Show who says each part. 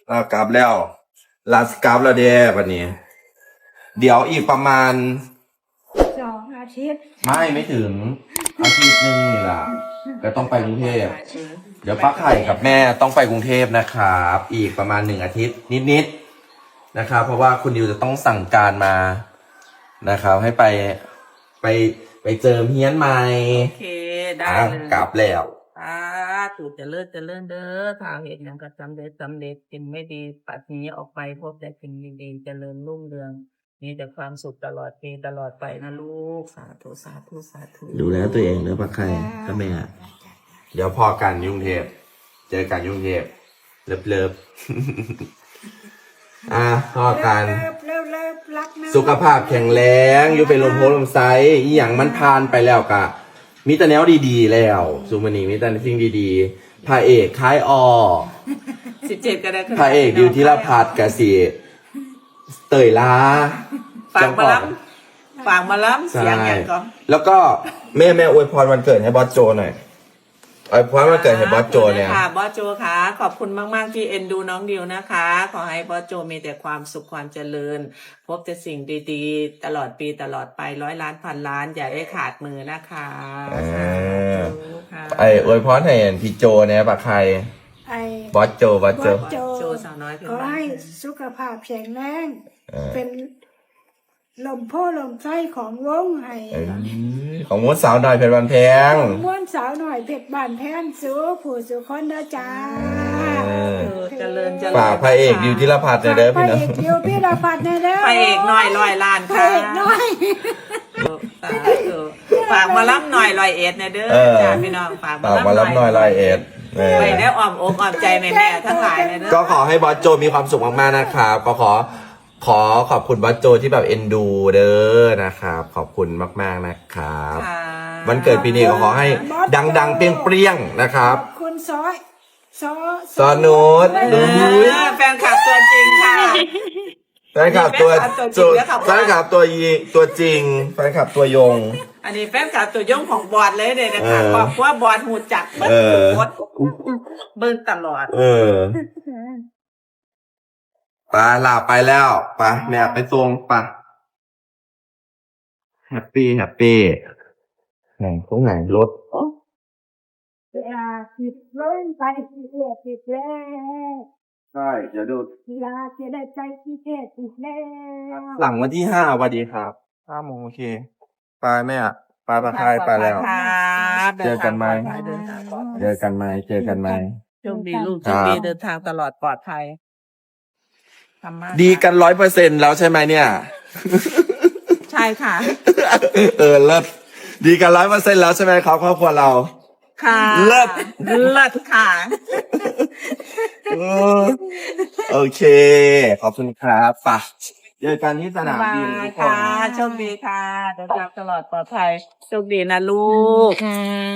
Speaker 1: เรากลับแล้วลาสกลับแล้วเด้วันนี้ เดี๋ยวอีกประมาณ
Speaker 2: 2 อาทิตย์
Speaker 1: ไม่ถึงอาทิตย์นึงนี่ล่ะก็ต้องไปกรุงเทพเดี๋ยวป้าไข่กับแม่ต้องไปกรุงเทพนะครับอีกประมาณ1 อาทิตย์นิดๆนะครับเพราะว่าคุณดิวจะต้องสั่งการมานะครับให้ไปเจิมเฮียนใหม่
Speaker 3: โอเคได้เลย
Speaker 1: กลับแล้ว
Speaker 3: ถูกจะเลิศเด้อทางเหตุอย่างก็สำเร็จสิ่งไม่ดีปัดนี้ออกไปพบแต่สิ่งดีๆเจริญรุ่งเรืองมีแต่ความสุขตลอดปีตลอดไปนะลูกสาธุสาธุสาธุ
Speaker 1: ดูแลตัวเองเนอะป้าไข่ก็แม่เดี๋ยวพอกันยุ่งเทพเจอกันยุ่งเทพเลิฟพอกัน
Speaker 2: เลิฟรักนะ
Speaker 1: สุขภาพแข็งแรงอยู่เป็นลมโพลมไซอีหยังมันผ่านไปแล้วกะมีแต่แนวดีๆแล้วซูมานีมีแต่สิ่งดีๆพระเอกคล้าย
Speaker 3: 17ก็ได้
Speaker 1: พระเอกดิวธีรพัฒน์กะสิเตยลา
Speaker 3: ฝากมาล้ำเสียงอย่างก่อน
Speaker 1: แล้วก็แม่อวยพรวันเกิดให้บอสโจหน่อยอวยพรวันเกิดให้บอสโจเนี่ย
Speaker 3: ค่ะบอสโจค่ะขอบคุณมากๆที่เอ็นดูน้องดิวนะคะขอให้บอสโจมีแต่ความสุขความเจริญพบแต่สิ่งดีๆตลอดปีตลอดไป100 ล้านพันล้านอย่าได้ขาดมือนะคะ
Speaker 1: อวยพรให้พี่โจเนี่ยปะใครบอสโจ
Speaker 3: โจสาวน้อยเพื่อน
Speaker 2: ขอ
Speaker 3: บ้าน
Speaker 2: ให้สุขภาพแข็งแรงเป็นลมโพลมไส้ของวงให้
Speaker 1: ของมดสาวหน่อยเพชรวันแพง
Speaker 2: ของม้วนสาวหน่อยเพชรบ้านแพนสู้ผู้สุคนเด้อจ้า
Speaker 3: เจริญ
Speaker 1: ฝากพระเอกดิวธีรพัฒน์เด้อพี่น้อง
Speaker 2: พระเอกดิวธีรพัฒน์เด้อ
Speaker 3: พระเอกน้อย100 ล้าน
Speaker 2: พระ
Speaker 3: ค่ะ
Speaker 2: เอกน้อย
Speaker 3: ฝากมาล้ำหน่อย101นะเด้อจ้าพี่น้องฝากมา
Speaker 1: รับหน่อย101
Speaker 3: ไปได้อ้อมอกอ้อมใจแม่ๆทั้งหลายนะเด้อ
Speaker 1: ก็ขอให้บอสโจมีความสุขมากๆนะครับก็ขอขอบคุณบอสโจที่แบบเอ็นดูเด้อนะครับขอบคุณมากๆนะครับวันเกิดปีนี้ก็ขอให้ดังๆเปรี้ยงๆนะครับ
Speaker 2: คุณซอ
Speaker 1: นุช
Speaker 3: แฟนคลับตัวจริงค่ะ
Speaker 1: แฟนคลับตัวจริงแฟนคลับตัวจริงแฟนคลับตัวยง
Speaker 3: อันนี้แฟนคลับตัวยงของบอดเลยเนี่ยนะคะบอกว่าบอดหูจักเบิ้งตลอด
Speaker 1: ไปลาไปแล้วไปแม่ไปส่งไปแฮปปี้ไหนตรงไหนรถ
Speaker 2: ผิดเล่นไปผิดแล้ว
Speaker 1: ใช่เดี๋ยวดู
Speaker 2: ลาจะได้ใจพิเศษผิดแล้ว
Speaker 1: หลังวันที่5สวัสดีครับ5 โมงโอเคไปแม่ไปปะคายไปแล้วเจอกันไหม
Speaker 3: โชคดีลูกโชคดีเดินทางตลอดปลอดภัย
Speaker 1: ดีกัน100%แล้วใช่ไหมเนี่ย
Speaker 3: ใช่ค่ะ
Speaker 1: เลิศดีกัน100%แล้วใช่ไหมครับครอบครัวเรา
Speaker 3: ค่ะ
Speaker 1: เลิศ
Speaker 3: ค่ะ
Speaker 1: โอเคขอบคุณครับป่ะเจอกันที่สนามบินทุกคน
Speaker 3: โชคดีค่ะเดินทางตลอดปลอดภัยโชคดีนะลูก